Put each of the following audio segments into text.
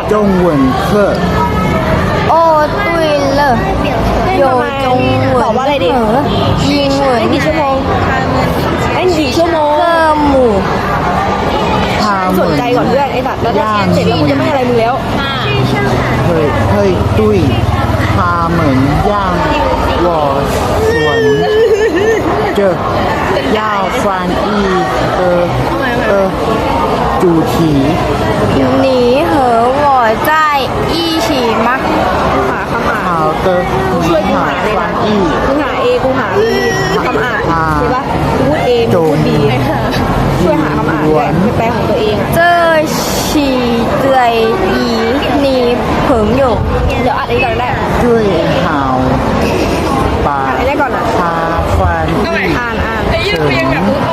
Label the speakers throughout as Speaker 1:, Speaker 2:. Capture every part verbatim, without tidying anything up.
Speaker 1: 中文课
Speaker 2: โอ้ตุยเลยโยจงเหวิน
Speaker 3: ตอบว่าอะไรดี
Speaker 2: เหอยิงเหวิน
Speaker 3: กี่ชั่วโมงเล่นกี่ชั่วโมง
Speaker 2: เพิ่มหมู่
Speaker 1: 他
Speaker 3: สนใจก่อนเพื่อนไอ้สัตว์แล้วถ้าเสร็จแล้วกูจะไม่อะไรมึงแล้ว
Speaker 1: 会会对他们让我选这要翻译的的主题。
Speaker 2: หนีเหอหวอใจอี้ฉีมัก
Speaker 3: หาคำอ่าน
Speaker 1: 好的，
Speaker 3: ช่วย
Speaker 1: 你
Speaker 3: กู
Speaker 1: 好
Speaker 3: หาเลย
Speaker 1: 翻
Speaker 3: นะ
Speaker 1: 译。
Speaker 3: กูหาเอกูหาบีคำอ่านใช่ปะกูพูดเอมึงพูดบีช่วยหาคำอ่านด้วยไปแปลของตัวเองอ่ะ
Speaker 2: เจอฉีเตือยอีหนีเผิงอยู่
Speaker 3: เดี๋ยวอ่านอันนี้ก่อนก็ได้
Speaker 1: 最好把
Speaker 3: อ่านอันนี้ก่อนอ่ะ
Speaker 1: 它翻译
Speaker 3: อ่านอ่าน
Speaker 1: 成英文。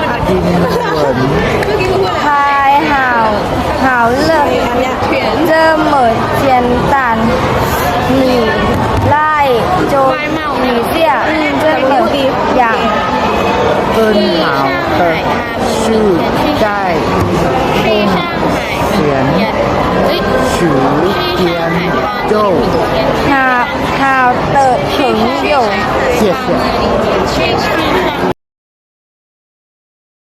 Speaker 2: พายห่าวห่าวเลิก
Speaker 3: อันเนี้ย
Speaker 2: เจอเหมิดเจียนตันหนีไล่โจหนีเสี่ยเจอเหมิดอย่าง
Speaker 1: 更好的是在空前时间就
Speaker 2: หาห่าวเติบถึงอยู่
Speaker 1: 谢谢。